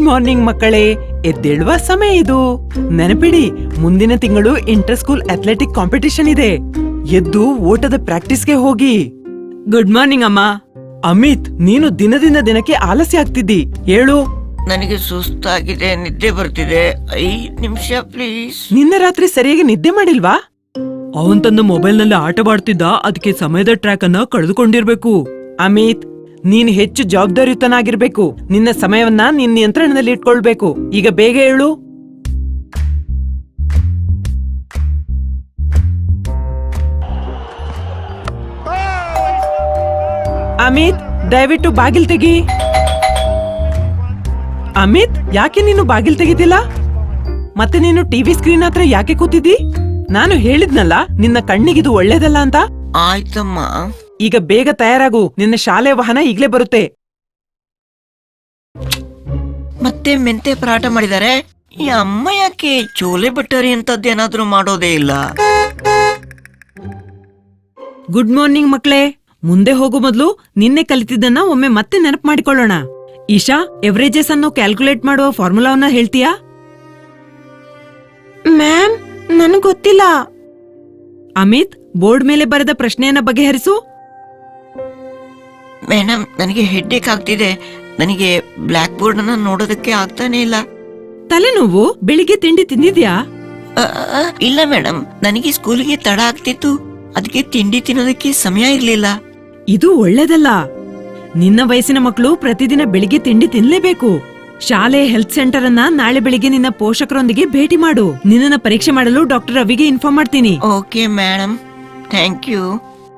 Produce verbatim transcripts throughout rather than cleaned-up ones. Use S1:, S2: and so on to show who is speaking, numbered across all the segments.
S1: Morning ಮಕ್ಕಳೇ, ಎದ್ದೇಳುವ ಸಮಯ ಇದು. ನೆನಪಿಡಿ, ಮುಂದಿನ ತಿಂಗಳು ಇಂಟರ್ ಸ್ಕೂಲ್ ಅಥ್ಲೆಟಿಕ್ ಕಾಂಪಿಟಿಷನ್ ಇದೆ. ಎದ್ದು ಓಟದ ಪ್ರಾಕ್ಟೀಸ್ಗೆ ಹೋಗಿ. ಗುಡ್ ಮಾರ್ನಿಂಗ್ ಅಮ್ಮ. ಅಮಿತ್, ನೀನು ದಿನದಿಂದ ದಿನಕ್ಕೆ ಆಲಸ್ಯ ಆಗ್ತಿದ್ದಿ. ಹೇಳು.
S2: ನನಗೆ ಸುಸ್ತಾಗಿದೆ, ನಿದ್ದೆ ಬರ್ತಿದೆ. ಐದ್ ನಿಮಿಷ ಪ್ಲೀಸ್.
S1: ನಿನ್ನೆ ರಾತ್ರಿ ಸರಿಯಾಗಿ ನಿದ್ದೆ ಮಾಡಿಲ್ವಾ? ಅವನ್ ತನ್ನ ಮೊಬೈಲ್ ನಲ್ಲಿ ಆಟವಾಡ್ತಿದ್ದ, ಅದಕ್ಕೆ ಸಮಯದ ಟ್ರ್ಯಾಕ್ ಅನ್ನ ಕಳೆದುಕೊಂಡಿರ್ಬೇಕು. ಅಮಿತ್, ನೀನ್ ಹೆಚ್ಚು ಜವಾಬ್ದಾರಿಯುತನಾಗಿರ್ಬೇಕು. ನಿನ್ನ ಸಮಯವನ್ನ ನಿನ್ನ ನಿಯಂತ್ರಣದಲ್ಲಿ ಇಟ್ಕೊಳ್ಬೇಕು. ಈಗ ಬೇಗ ಹೇಳು. ಅಮಿತ್, ದಯವಿಟ್ಟು ಬಾಗಿಲ್ ತೆಗಿ. ಅಮಿತ್, ಯಾಕೆ ನೀನು ಬಾಗಿಲ್ ತೆಗಿತಿಲ್ಲ? ಮತ್ತೆ ನೀನು ಟಿವಿ ಸ್ಕ್ರೀನ್ ಹತ್ರ ಯಾಕೆ ಕೂತಿದ್ದಿ? ನಾನು ಹೇಳಿದ್ನಲ್ಲ, ನಿನ್ನ ಕಣ್ಣಿಗಿದು ಒಳ್ಳೇದಲ್ಲ ಅಂತ.
S2: ಆಯ್ತಮ್ಮ.
S1: ಈಗ ಬೇಗ ತಯಾರಾಗು, ನಿನ್ನ ಶಾಲೆ ವಾಹನ ಈಗ್ಲೇ ಬರುತ್ತೆ.
S2: ಮತ್ತೆ ಮೆಂತೆ ಪರಾಟ ಮಾಡಿದ್ದಾರೆ. ಈ ಅಮ್ಮ ಯಾಕೆ ಚೋಲೆ ಬಟ್ಟರಿ ಅಂತದ್ದೇನಾದ್ರೂ ಮಾಡೋದೇ ಇಲ್ಲ?
S1: ಗುಡ್ ಮಾರ್ನಿಂಗ್ ಮಕ್ಳೇ. ಮುಂದೆ ಹೋಗೋ ಮೊದ್ಲು ನಿನ್ನೆ ಕಲಿತಿದ್ದನ್ನ ಒಮ್ಮೆ ಮತ್ತೆ ನೆನಪು ಮಾಡಿಕೊಳ್ಳೋಣ. ಈಶಾ, ಎವರೇಜಸ್ ಅನ್ನು ಕ್ಯಾಲ್ಕುಲೇಟ್ ಮಾಡುವ ಫಾರ್ಮುಲಾವನ್ನ ಹೇಳ್ತೀಯಾ? ಮ್ಯಾಮ್, ನನಗ್ ಗೊತ್ತಿಲ್ಲ. ಅಮಿತ್, ಬೋರ್ಡ್ ಮೇಲೆ ಬರೆದ ಪ್ರಶ್ನೆಯನ್ನ ಬಗೆಹರಿಸು.
S2: ಮೇಡಮ್, ನನಗೆ ಹೆಡ್ಡೇಕ್ ಆಗ್ತಿದೆ. ನನಗೆ ಬ್ಲಾಕ್ ಬೋರ್ಡ್ ಅನ್ನ ನೋಡೋದಕ್ಕೆ ಆಗ್ತಾನೆ ಇಲ್ಲ.
S1: ತಲೆನೋವು? ಬೆಳಿಗ್ಗೆ ತಿಂಡಿ ತಿಂದಿದ್ಯಾ?
S2: ಅ, ಅ, ಇಲ್ಲ ಮೇಡಮ್, ನನಗೆ ಸ್ಕೂಲಿಗೆ ತಡ ಆಗ್ತಿತ್ತು. ಅದಕ್ಕೆ ತಿಂಡಿ ತಿನ್ನೋದಕ್ಕೆ ಸಮಯ ಇರ್ಲಿಲ್ಲ.
S1: ಇದು ಒಳ್ಳೇದಲ್ಲ. ನಿನ್ನ ವಯಸ್ಸಿನ ಮಕ್ಕಳು ಪ್ರತಿದಿನ ಬೆಳಿಗ್ಗೆ ತಿಂಡಿ ತಿನ್ಲೇಬೇಕು. ಶಾಲೆ ಹೆಲ್ತ್ ಸೆಂಟರ್ ಅನ್ನ ನಾಳೆ ಬೆಳಿಗ್ಗೆ ನಿನ್ನ ಪೋಷಕರೊಂದಿಗೆ ಭೇಟಿ ಮಾಡು. ನಿನ್ನ ಪರೀಕ್ಷೆ ಮಾಡಲು ಡಾಕ್ಟರ್ ರವಿಗೆ ಇನ್ಫಾರ್ಮ್ ಮಾಡ್ತೀನಿ.
S2: Okay madam, thank you.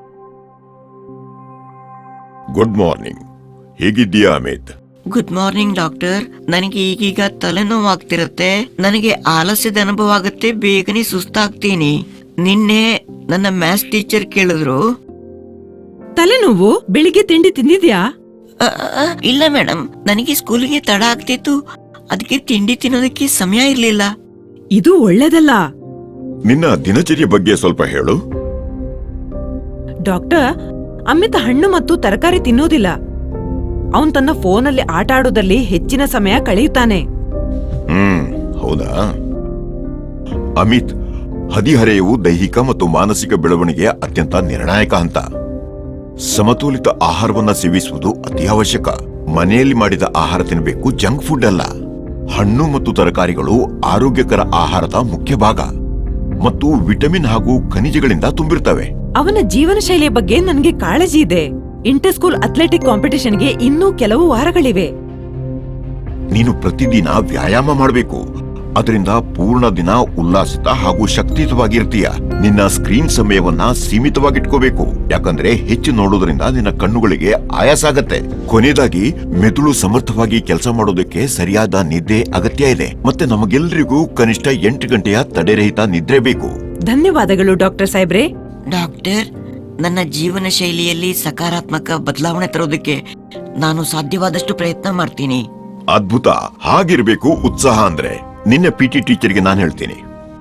S3: Good morning. ಹೇಗಿದ್ದೀಯಾ ಅಮಿತ್?
S2: Good morning doctor. ನನಗೆ ಈಗೀಗ ತಲೆನೋವು ಆಗ್ತಿರತ್ತೆ. ನನಗೆ ಆಲಸ್ಯದ ಅನುಭವ ಆಗುತ್ತೆ. ಬೇಗನೆ ಸುಸ್ತಾಗ್ತೀನಿ. ನಿನ್ನೆ ನನ್ನ ಮ್ಯಾಥ್ಸ್ ಟೀಚರ್ ಕೇಳಿದ್ರು.
S1: ತಲೆನೋವು? ಬೆಳಿಗ್ಗೆ ತಿಂಡಿ ತಿಂದಿದ್ಯಾ?
S2: ಅ, ಅ, ಇಲ್ಲ ಮೇಡಮ್, ನನಗೆ ಸ್ಕೂಲಿಗೆ ತಡ ಆಗ್ತಿತ್ತು. ಅದಕ್ಕೆ ತಿಂಡಿ ತಿನ್ನೋದಕ್ಕೆ ಸಮಯ ಇರ್ಲಿಲ್ಲ.
S1: ಇದು ಒಳ್ಳೇದಲ್ಲ.
S3: ನಿನ್ನ ದಿನಚರ್ಯ ಬಗ್ಗೆ ಸ್ವಲ್ಪ ಹೇಳು.
S1: ಡಾಕ್ಟರ್, ಅಮಿತ್ ಹಣ್ಣು ಮತ್ತು ತರಕಾರಿ ತಿನ್ನೋದಿಲ್ಲ. ಅವನ್ ತನ್ನ ಫೋನಲ್ಲಿ ಆಟ ಆಡೋದಲ್ಲಿ ಹೆಚ್ಚಿನ ಸಮಯ ಕಳೆಯುತ್ತಾನೆ.
S3: ಹ್ಮ್, ಹೌದಾ? ಅಮಿತ್, ಹದಿಹರೆಯವು ದೈಹಿಕ ಮತ್ತು ಮಾನಸಿಕ ಬೆಳವಣಿಗೆಯ ಅತ್ಯಂತ ನಿರ್ಣಾಯಕ ಹಂತ. ಸಮತೋಲಿತ ಆಹಾರವನ್ನ ಸೇವಿಸುವುದು ಅತಿ ಅವಶ್ಯಕ. ಮನೆಯಲ್ಲಿ ಮಾಡಿದ ಆಹಾರ ತಿನ್ನಬೇಕು, ಜಂಕ್ ಫುಡ್ ಅಲ್ಲ. ಹಣ್ಣು ಮತ್ತು ತರಕಾರಿಗಳು ಆರೋಗ್ಯಕರ ಆಹಾರದ ಮುಖ್ಯ ಭಾಗ ಮತ್ತು ವಿಟಮಿನ್ ಹಾಗೂ ಖನಿಜಗಳಿಂದ ತುಂಬಿರ್ತವೆ.
S1: ಅವನ ಜೀವನ ಶೈಲಿಯ ಬಗ್ಗೆ ನನಗೆ ಕಾಳಜಿ ಇದೆ. ಇಂಟರ್ ಸ್ಕೂಲ್ ಅಥ್ಲೆಟಿಕ್ ಕಾಂಪಿಟಿಷನ್ಗೆ ಇನ್ನೂ ಕೆಲವು ವಾರಗಳಿವೆ.
S3: ನೀನು ಪ್ರತಿದಿನ ವ್ಯಾಯಾಮ ಮಾಡಬೇಕು. ಅದರಿಂದ ಪೂರ್ಣ ದಿನ ಉಲ್ಲಾಸಿತ ಹಾಗೂ ಶಕ್ತಿಯುತವಾಗಿರ್ತೀಯ. ನಿನ್ನ ಸ್ಕ್ರೀನ್ ಸಮಯವನ್ನ ಸೀಮಿತವಾಗಿಟ್ಕೋಬೇಕು, ಯಾಕಂದ್ರೆ ಹೆಚ್ಚು ನೋಡೋದ್ರಿಂದ ನಿನ್ನ ಕಣ್ಣುಗಳಿಗೆ ಆಯಾಸ ಆಗತ್ತೆ. ಕೊನೆಯದಾಗಿ, ಮೆದುಳು ಸಮರ್ಥವಾಗಿ ಕೆಲಸ ಮಾಡೋದಕ್ಕೆ ಸರಿಯಾದ ನಿದ್ದೆ ಅಗತ್ಯ ಇದೆ. ಮತ್ತೆ ನಮಗೆಲ್ಲರಿಗೂ ಕನಿಷ್ಠ ಎಂಟು ಗಂಟೆಯ ತಡೆರಹಿತ ನಿದ್ರೆ ಬೇಕು.
S1: ಧನ್ಯವಾದಗಳು ಡಾಕ್ಟರ್ ಸಾಹೇಬ್ರೆ.
S2: ಡಾಕ್ಟರ್, ನನ್ನ ಜೀವನ ಶೈಲಿಯಲ್ಲಿ ಸಕಾರಾತ್ಮಕ ಬದಲಾವಣೆ ತರೋದಕ್ಕೆ ನಾನು ಸಾಧ್ಯವಾದಷ್ಟು ಪ್ರಯತ್ನ ಮಾಡ್ತೀನಿ.
S3: ಅದ್ಭುತ. ಹಾಗಿರ್ಬೇಕು ಉತ್ಸಾಹ ಅಂದ್ರೆ. ನಿನ್ನ ಪಿಟಿ ಟೀಚರ್ಗೆ ನಾನು ಹೇಳ್ತೀನಿ.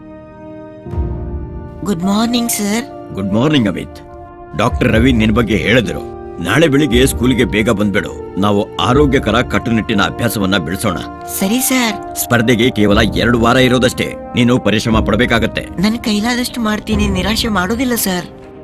S2: Good morning sir.
S4: Good morning Amit. Doctor Ravi ನಿನ್ ಬಗ್ಗೆ ಹೇಳಿದ್ರು. ನಾಳೆ ಬೆಳಿಗ್ಗೆ ಸ್ಕೂಲಿಗೆ ಬೇಗ ಬಂದ್ಬಿಡು. ನಾವು ಆರೋಗ್ಯಕರ ಕಟ್ಟುನಿಟ್ಟಿನ ಅಭ್ಯಾಸವನ್ನ ಬೆಳೆಸೋಣ.
S2: ಸರಿ ಸರ್.
S4: ಸ್ಪರ್ಧೆಗೆ ಕೇವಲ ಎರಡು ವಾರ ಇರೋದಷ್ಟೇ. ನೀನು ಪರಿಶ್ರಮ ಪಡಬೇಕಾಗತ್ತೆ.
S2: ನನ್ನ ಕೈಲಾದಷ್ಟು ಮಾಡ್ತೀನಿ, ನಿರಾಶೆ ಮಾಡೋದಿಲ್ಲ ಸರ್.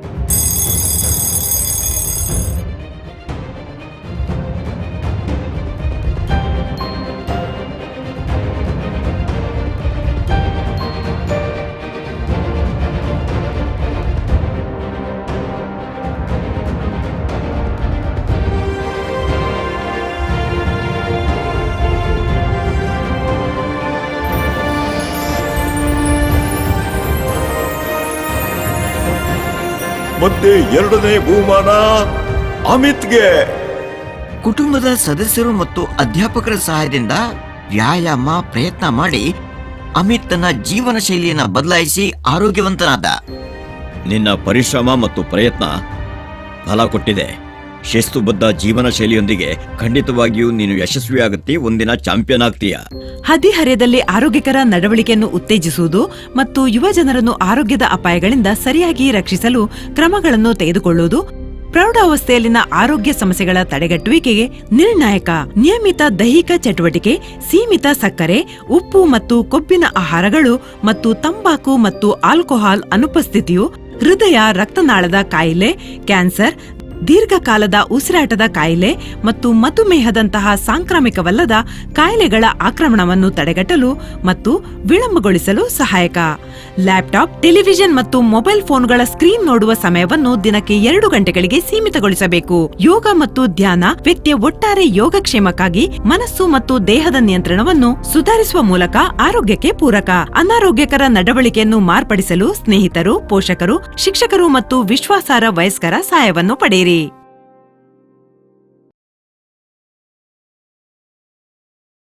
S3: ಮತ್ತೆ ಎರಡನೇ ಬಹುಮಾನ ಅಮಿತ್ಗೆ.
S2: ಕುಟುಂಬದ ಸದಸ್ಯರು ಮತ್ತು ಅಧ್ಯಾಪಕರ ಸಹಾಯದಿಂದ ವ್ಯಾಯಾಮ ಪ್ರಯತ್ನ ಮಾಡಿ ಅಮಿತ್ ತನ್ನ ಜೀವನ ಶೈಲಿಯನ್ನ ಬದಲಾಯಿಸಿ ಆರೋಗ್ಯವಂತನಾದ.
S4: ನಿನ್ನ ಪರಿಶ್ರಮ ಮತ್ತು ಪ್ರಯತ್ನ ಫಲ ಕೊಟ್ಟಿದೆ. ಶಿಸ್ತುಬದ್ಧ ಜೀವನ ಶೈಲಿಯೊಂದಿಗೆ ಖಂಡಿತವಾಗಿಯೂ ನೀನು ಯಶಸ್ವಿಯಾಗುತ್ತಿ, ಒಂದಿನ ಚಾಂಪಿಯನ್ ಆಗ್ತೀಯ.
S1: ಹದಿಹರೆಯದಲ್ಲಿ ಆರೋಗ್ಯಕರ ನಡವಳಿಕೆಯನ್ನು ಉತ್ತೇಜಿಸುವುದು ಮತ್ತು ಯುವ ಜನರನ್ನು ಆರೋಗ್ಯದ ಅಪಾಯಗಳಿಂದ ಸರಿಯಾಗಿ ರಕ್ಷಿಸಲು ಕ್ರಮಗಳನ್ನು ತೆಗೆದುಕೊಳ್ಳುವುದು ಪ್ರೌಢಾವಸ್ಥೆಯಲ್ಲಿನ ಆರೋಗ್ಯ ಸಮಸ್ಯೆಗಳ ತಡೆಗಟ್ಟುವಿಕೆಗೆ ನಿರ್ಣಾಯಕ. ನಿಯಮಿತ ದೈಹಿಕ ಚಟುವಟಿಕೆ, ಸೀಮಿತ ಸಕ್ಕರೆ, ಉಪ್ಪು ಮತ್ತು ಕೊಬ್ಬಿನ ಆಹಾರಗಳು ಮತ್ತು ತಂಬಾಕು ಮತ್ತು ಆಲ್ಕೋಹಾಲ್ ಅನುಪಸ್ಥಿತಿಯು ಹೃದಯ ರಕ್ತನಾಳದ ಕಾಯಿಲೆ, ಕ್ಯಾನ್ಸರ್, ದೀರ್ಘಕಾಲದ ಉಸಿರಾಟದ ಕಾಯಿಲೆ ಮತ್ತು ಮಧುಮೇಹದಂತಹ ಸಾಂಕ್ರಾಮಿಕವಲ್ಲದ ಕಾಯಿಲೆಗಳ ಆಕ್ರಮಣವನ್ನು ತಡೆಗಟ್ಟಲು ಮತ್ತು ವಿಳಂಬಗೊಳಿಸಲು ಸಹಾಯಕ. ಲ್ಯಾಪ್ಟಾಪ್, ಟೆಲಿವಿಷನ್ ಮತ್ತು ಮೊಬೈಲ್ ಫೋನ್ಗಳ ಸ್ಕ್ರೀನ್ ನೋಡುವ ಸಮಯವನ್ನು ದಿನಕ್ಕೆ ಎರಡು ಗಂಟೆಗಳಿಗೆ ಸೀಮಿತಗೊಳಿಸಬೇಕು. ಯೋಗ ಮತ್ತು ಧ್ಯಾನ ವ್ಯಕ್ತಿಯ ಒಟ್ಟಾರೆ ಯೋಗಕ್ಷೇಮಕ್ಕಾಗಿ ಮನಸ್ಸು ಮತ್ತು ದೇಹದ ನಿಯಂತ್ರಣವನ್ನು ಸುಧಾರಿಸುವ ಮೂಲಕ ಆರೋಗ್ಯಕ್ಕೆ ಪೂರಕ. ಅನಾರೋಗ್ಯಕರ ನಡವಳಿಕೆಯನ್ನು ಮಾರ್ಪಡಿಸಲು ಸ್ನೇಹಿತರು, ಪೋಷಕರು, ಶಿಕ್ಷಕರು ಮತ್ತು ವಿಶ್ವಾಸಾರ್ಹ ವಯಸ್ಕರ ಸಹಾಯವನ್ನು ಪಡೆಯಿರಿ.